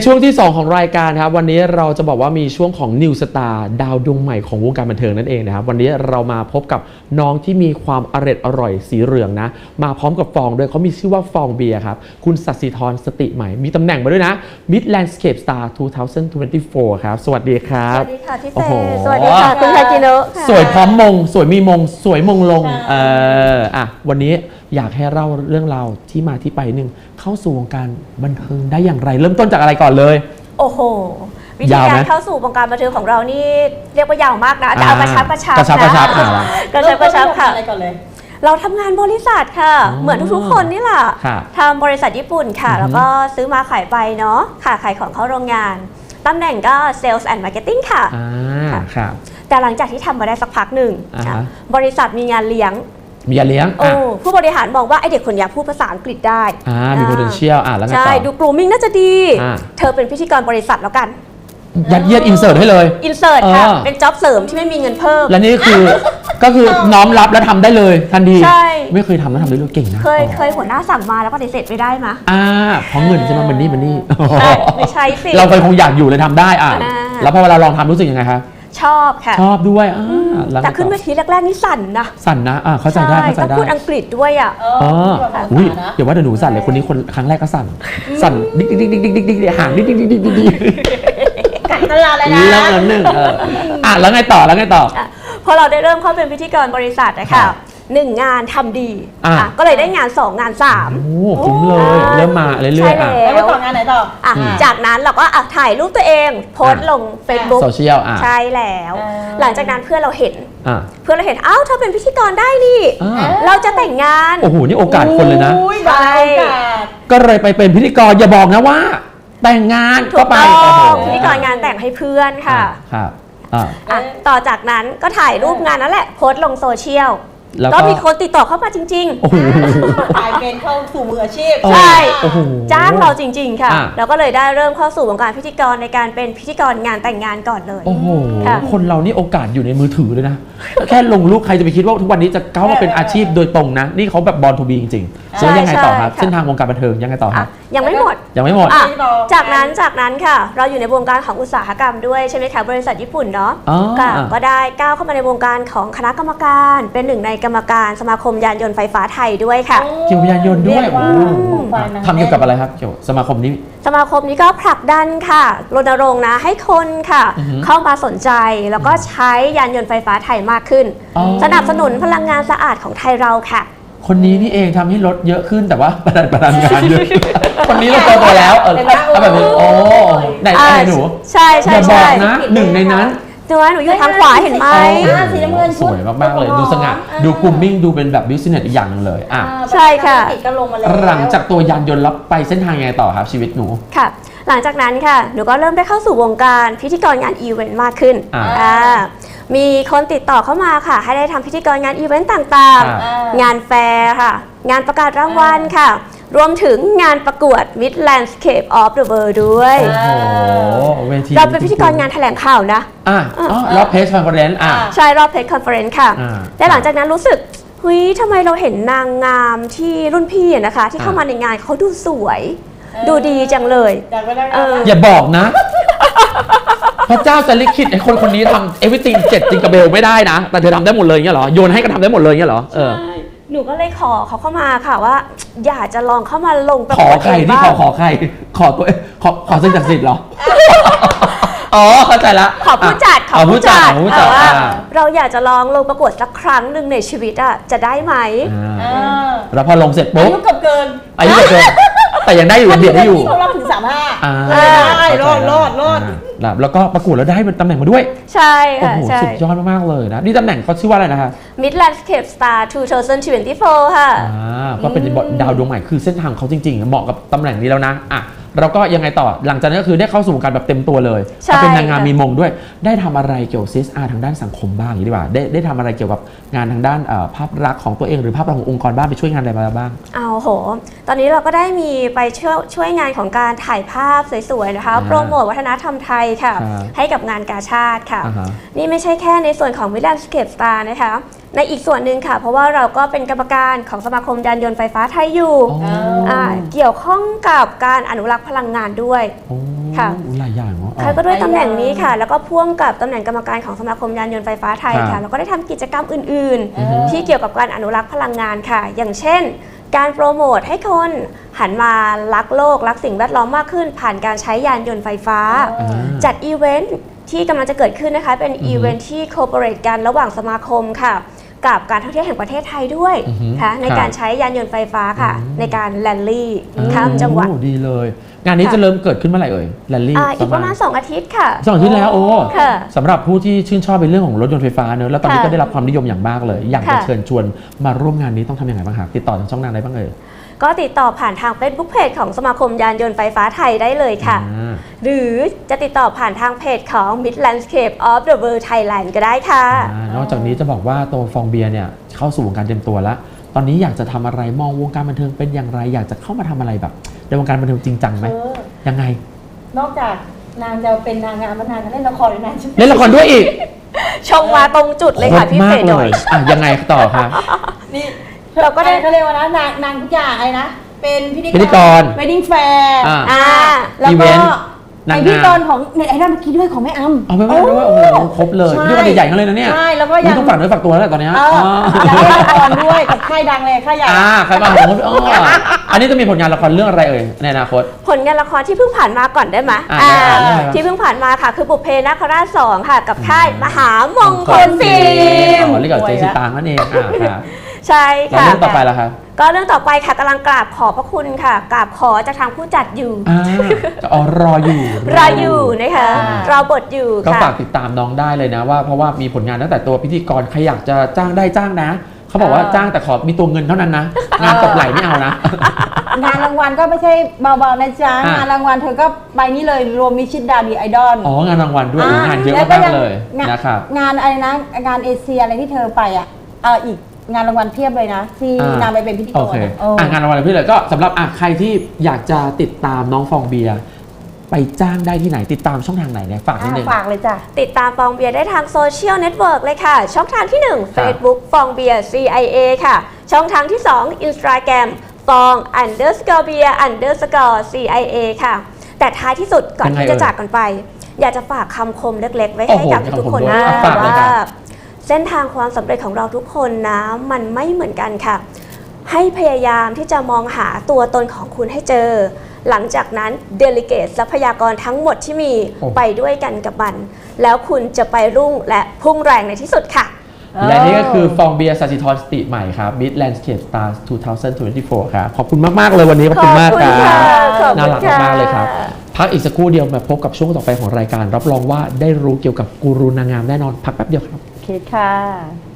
ช่วงที่ 2 ของรายการครับวันนี้เราจะบอกว่ามีช่วงของ New Star ดาวดวงใหม่ของวงการบันเทิงนั่นเองนะครับวันนี้เรามาพบกับน้องที่มีความอร่อยสีเหลืองนะมาพร้อมกับฟองด้วยเขามีชื่อว่าฟองเบียร์ครับคุณสัสิธรสติใหม่มีตำแหน่งมาด้วยนะ Mid Landscape Star 2024 ครับสวัสดีครับสวัสดีค่ะพี่เฟโอ้โหสวัสดีค่ะคุณไทกิโนะค่ะสวยพร้อมมงสวยมีมงสวยมงลงวันนี้อยากให้เล่าเรื่องราวที่มาที่ไปหนึ่งเข้าสู่วงการบันเทิงได้อย่างไรเริ่มต้นจากอะไรก่อนเลยโอ้โหวิธีการเข้าสู่วงการบันเทิงของเรานี่เรียกว่ายาวมากนะแต่เอากระชับกระชับค่ะกระชับค่ะอะไรก่อนเลยเราทำงานบริษัทค่ะเหมือนทุกๆคนนี่แหละค่ะทำบริษัทญี่ปุ่นค่ะแล้วก็ซื้อมาขายไปเนาะค่ะขายของเข้าโรงงานตำแหน่งก็ Sales and Marketing ค่ะค่ะแต่หลังจากที่ทำมาได้สักพักหนึ่งอ่าฮะบริษัทมีงานเลี้ยงมีอย่าเลี้ยงโอ้ผู้บริหารมองว่าไอเด็กคนนี้พูดภาษาอังกฤษได้มี potential แล้วไงต่อใช่ดู grooming น่าจะดีอ่าเธอเป็นพิธีกรบริษัทแล้วกันยัดเยียดอินเสิร์ตให้เลยอินเสิร์ตค่ะเออเป็นจ็อบเสริมที่ไม่มีเงินเพิ่มและนี่คือ ก็คือน้อมรับแล้วทำได้เลยทันทีใช่ไม่เคยทำแล้วทำได้เลยเก่งนะเคยหัวหน้าสั่งมาแล้วปฏิเสธไม่ได้มะเพราะเงินใช่ไหมมันนี่ใช่ไม่ใช่สิเราเคยคงอยากอยู่เลยทำได้อ่าแล้วพอเวลาลองทำรู้สึกยังไงคะชอบค่ะชอบด้วยล้วแต่ขึ้นเวทีแรกๆนี่สั่นนะสั่นนะเข้าใจได้เข้าใจต้องได้พูดอังกฤษด้วยอ่ะอุ้ยอย่าว่าแต่หนูสั่นเลยคนนี้คนครั้งแรกก็สั่นดิ๊กดิ๊กดิ๊กดิ๊กดิ๊กดิ๊กห่างดิ๊กดิ๊กดิ๊กดิ๊กดิ๊กกัดตลาดเลยนะแล้วหนึ่งแล้วไงต่อพอเราได้เริ่มเข้าเป็นพิธีกรบริษัทนะคะหนึ่งงานทำดีก็เลยได้งาน2งาน3 โอ้คุ้มเลยเริ่มมาเรื่อยใช่ๆแล้วไปต่องานไหนต่อจากนั้นเราก็ถ่ายรูปตัวเองโพสต์ลง Facebook โซเชียลใช่แล้ว หลังจากนั้นเพื่อนเราเห็นเพื่อนอ้าวเธอเป็นพิธีกรได้นี่ เราจะแต่งงานโอ้โหนี่โอกาสคนเลยนะใช่ก็เลยไปเป็นพิธีกรอย่าบอกนะว่า แต่งงานถูก็กไปต้องพิธีกรงานแต่งให้เพื่อนค่ะครับต่อจากนั้นก็ถ่ายรูปงานนั่นแหละโพสต์ลงโซเชียลแล้วก็ก็มีคนติดต่อเข้ามาจริงโอ้โหกลายเป็นเข้าสู่มืออาชีพใช่โอ้โหๆ จ้างเราจริง ๆ ค่ะอ่ะแล้วก็เลยได้เริ่มเข้าสู่วงการพิธีกรในการเป็นพิธีกรงานแต่งงานก่อนเลยโอ้โหค่ะคนเรานี่โอกาสอยู่ในมือถือเลยนะ แค่ลงรูปใครจะไปคิดว่าทุกวันนี้จะก้าวมาเป็นอาชีพโดยตรงนะ นี่เขาแบบบอลทูบีจริงๆแล้วยังไงต่อครับใช่ค่ะเส้นทางวงการบันเทิงยังไงต่อครับยังไม่หมดยังไม่หมดอ่ะจากนั้นค่ะ เราอยู่ในวงการของอุตสาหกรรมด้วยใช่ไหมคะบริษัทญี่ปุ่นเนาะอ๋อค่ะก็ได้ก้าวเข้ามาในวงการของคณะกรรมการเป็นหนึ่งในกรรมการสมาคมยานยนต์ไฟฟ้าไทยด้วยค่ะเกี่ยวกับยานยนต์ด้วยเรีกาโอ้โหฝ่ายนั้นทำเกี่ยวกับอะไรครับเกี่ยวกับสมาคมนี้สมาคมนี้ก็ผลักดันค่ะรณรงค์นะให้คนค่ะอือฮึเข้ามาสนใจแล้วก็ใช้ยานยนต์ไฟฟ้าไทยมากขึ้นอ๋อสนับสนุนพลังงานสะอาดของไทยเราค่ะคนนี้นี่เองทำให้รถเยอะขึ้นแต่ว่าประดันงานเยอะ คนนี้เราโตแล้วเอาแบบนี้โอ้ไหนหนูใช่อย่าบอกนะหนึ่งในนั้นหนูอยู่ทางขวาเห็นไหมสีน้ำเงินสวยมากๆเลยดูสง่าดูกลุ่มมิ่งดูเป็นแบบบิสเนสอีกอย่างหนึงเลยใช่ค่ะก็ลงมาแล้วหลังจากตัวยานยนต์แล้วไปเส้นทางยังไงต่อครับชีวิตหนูค่ะ หลังจากนั้นค่ะหนูก็เริ่มได้เข้าสู่วงการพิธีกรงานอีเวนต์มากขึ้น มีคนติดต่อเข้ามาค่ะ ให้ได้ทำพิธีกรงานอีเวนต์ต่างๆ งานแฟร์ค่ะ งานประกาศรางวัลค่ะ รวมถึงงานประกวด Mid Landscape of the World ด้วยโอ้โหเวทีเราเป็นพิธีกรงานแถลงข่าวนะแล้วเพจคอนเฟอเรนซ์ใช่รอบเพจคอนเฟอเรนซ์ค่ะอ่าและหลังจากนั้นรู้สึกเฮ้ยทำไมเราเห็นนางงามที่รุ่นพี่อะนะคะ ที่เข้ามาในงานเขาดูสวย ดูดีจังเลยอยากไปได้อย่าบอกนะ พระเจ้าจะลิขิตให้คนคนนี้ทำ everything 7จิงกระเบลไม่ได้นะ แต่เธอทำได้หมดเลยเงี้ยเหรอโยนให้ก็ทำได้หมดเลยเงี้ยเหรอหนูก็เลยขอเขาเข้ามาค่ะว่า อยากจะลองเข้ามาลงประขอกวดใครเองที่บ้างขอใครขอตัวขอสิ่งศักดิ์สิทธิ์เหรอ อ๋อเข้าใจละขอผู้จัดผู้จัดว่าเราอยากจะลองลงประกวดสักครั้งหนึ่งในชีวิตอะจะได้ไหมแล้วพอลงเสร็จอาปุ๊บยุเกือบเกินอายุเกินแต่ยังได้อยู่เบียดได้อยู่เขารับถึง35ได้รอดแล้วก็ประกวดแล้วได้เป็นตำแหน่งมาด้วยใช่โอ้ค่ะโหใช่สุดยอดมากๆเลยนะนี่ตำแหน่งเขาชื่อว่าอะไรนะคะ Mid Landscape Star 2024 ค่ะก็เป็นดาวดวงใหม่คือเส้นทางเขาจริงๆเหมาะกับตำแหน่งนี้แล้วนะเราก็ยังไงต่อหลังจากนั้นก็คือได้เข้าสู่วงการแบบเต็มตัวเลยใช่เป็นนางงามมีมงด้วยได้ทำอะไรเกี่ยวกับ CSR ทางด้านสังคมบ้างอย่างนี้ดีกว่าได้ทำอะไรเกี่ยวกับงานทางด้านภาพลักษณ์ของตัวเองหรือภาพลักษณ์ขององค์กรบ้างไปช่วยงานอะไรมาบ้างเอาโห ตอนนี้เราก็ได้มีไปช่วยงานของการถ่ายภาพสวยๆนะคะโปรโมทวัฒนธรรมไทยค่ะ ให้กับงานกาชาติค่ะ นี่ไม่ใช่แค่ในส่วนของ Mid Landscape Star นะคะในอีกส่วนหนึ่งค่ะ เพราะว่าเราก็เป็นกรรมการของสมาคมยานยนต์ไฟฟ้าไทยอยู่เกี่ยวข้องกับการอนุรักษ์พลังงานด้วยค่ะหลายอย่างเนาะค่ะก็ด้วยตำแหน่งนี้ค่ะ แล้วก็พ่วงกับตำแหน่งกรรมการของสมาคมยานยนต์ไฟฟ้าไทยครัค่ะบแล้วก็ได้ทำกิจกรรมอื่น ๆ ที่เกี่ยวกับการอนุรักษ์พลังงานค่ะ อย่างเช่น การโปรโมทให้คนหันมารักโลกรักสิ่งแวดล้อมมากขึ้น ผ่านการใช้ยานยนต์ไฟฟ้าอ่าจัดอีเวนท์ที่กำลังจะเกิดขึ้นนะคะ เป็นอีเวนท์ที่โคเปอเรทกันระหว่างสมาคมค่ะ กับการท่องเที่ยวแห่งประเทศไทยด้วยอือฮึค่ะในครับการใช้ยานยนต์ไฟฟ้าค่ะ ในการแลนลี่ข้ามโอ้จังหวัดดีเลย งานนี้ค่ะจะเริ่มเกิดขึ้นเมื่อไหร่เอ่ยแรลลี่อีกประมาณ 2 อาทิตย์ค่ะสองอาที่แล้วโอ้ค่ะสำหรับผู้ที่ชื่นชอบในเรื่องของรถยนต์ไฟฟ้าเนอะแล้วตอนนี้ค่ะก็ได้รับความนิยมอย่างมากเลย อยากจะค่ะเชิญชวนมาร่วมงานนี้ต้องทำยังไงบ้างคะติดต่อทางช่องทางใดบ้างเอ่ยก็ติดต่อผ่านทาง Facebook Page ของสมาคมยานยนต์ไฟฟ้าไทยได้เลยค่ะอ่าหรือจะติดต่อผ่านทางเพจของ Mid Landscape of the World Thailand ก็ได้ค่ะนอกจากนี้จะบอกว่าตัวฟองเบียร์เนี่ยเข้าสู่วงการเต็มตัวแล้ว ตอนนี้อยากจะทำอะไรมองวงการบันเทิงเป็นอย่างไร อยากจะเข้ามาทำอะไรแบบในวงการบันเทิงจริงจังไหมยังไงนอกจากนางจะเป็นนางงามแล้วนางก็เล่นละครด้วยนะใช่ไหมเล่นละครด้วยอีกชงมาตรงจุดเลยค่ะโตรพี่มาเฟกยเลดอย ยยังไงต่อคะนี่เราก็ได้เขาเรียกว่านะนางทุกอย่างอะไรนะ เป็นพิพิธีกรเวดดิ้งแฟร์อ่าแล้วอีเวก็นต์นางงามเป็นพิธีกรของเน็ตไอดอลเมื่อกี้ด้วยของแม่อ้ำเอาไปว่าด้วยโอ้โหครบเลยใช่พิธีกรใหญ่ๆทั้งเลยนะเนี่ยใช่แล้วก็นี่ยังต้องฝากเนื้อฝากตัวแล้วแหละตอนเนี้ยแล้วเล่นละครด้วยกับค่ายดังเลยค่ายใหญ่ใครบ้างผมอันนี้จะมีผลงานละครเรื่องอะไรเอ่ยในอนาคตผลงานละครที่เพิ่งผ่านมาก่อนได้ไหมได้เรื่องอะไรครับที่เพิ่งผ่านมาค่ะ คือบุพเพนาคราช2ค่ะ กับค่ายมหามงคลฟิล์มอ๋อเรียกกับเจสิตางนั่นเองค่ะใช่แล้วค่ะเรื่องต่อไปล่ะครับก็เรื่องต่อไปค่ะกำลังกราบขอบพระคุณค่ะ กราบขอจากทางผู้จัดอยู่รออยู่รออยู่นะคะอ่ารอบทอยู่ก็ค่ะฝากติดตามน้องได้เลยนะว่าเพราะว่ามีผลงานตั้งแต่ตัวพิธีกรใครอยากจะจ้างได้จ้างนะ เขาบอกว่าจ้างแต่ขอมีตัวเงินเท่านั้นนะ งานตบไหลไม่เอานะงานรางวัลก็ไม่ใช่เบาๆนะจ๊ะอ่ะงานรางวัลเธอก็ไปนี่เลยรวมมิชิดดาดีไอดอลอ๋องานรางวัลด้วยงานเยอะแล้วก็มากยังเลยงานนะครับงานอะไรนะงานเอเชียอะไรที่เธอไปอ่ะอีกงานรางวัลเพียบเลยนะที่นางไปเป็นพิธีกโอรเคเอองานรางวัลพี่เลยก็สำหรับใครที่อยากจะติดตามน้องฟองเบียร์ไปจ้างได้ที่ไหนติดตามช่องทางไหนเนี่ยฝากนิดนึงฝากเลยจ้ะติดตามฟองเบียร์ได้ทางโซเชียลเน็ตเวิร์กเลยค่ะ ช่องทางที่ 1 Facebook ฟองเบียร์ CIA ค่ะ ช่องทางที่ 2 Instagram ฟอง _ เบียร์ _ CIA ค่ะ แต่ท้ายที่สุดก่อนยังไงที่จะเอ่ยจากกันไป อยากจะฝากคำคมเล็กๆ ไว้โอ้ให้โหกับทุกๆคนมีนะคำคมด้วยฝากเลยว่าครับเส้นทางความสำเร็จของเราทุกคนนะ มันไม่เหมือนกันค่ะ ให้พยายามที่จะมองหาตัวตนของคุณให้เจอ หลังจากนั้นเดลิเกตทรัพยากรทั้งหมดที่มีโอ้ไปด้วยกันกับมัน แล้วคุณจะไปรุ่งและพุ่งแรงในที่สุดค่ะและนี่ก็คือฟองเบียร์สัจจิธรสติใหม่ครับ Mid Landscape Stars 2024 ครับ ขอบคุณมาก ๆ เลยวันนี้ ขอบคุณมากครับขอบคุณค่ะน่ารักมากๆเลยครับ พักอีกสักครู่เดียวมาพบกับช่วงต่อไปของรายการ รับรองว่าได้รู้เกี่ยวกับกูรูนางงามแน่นอน พักแป๊บเดียวครับโอเคค่ะ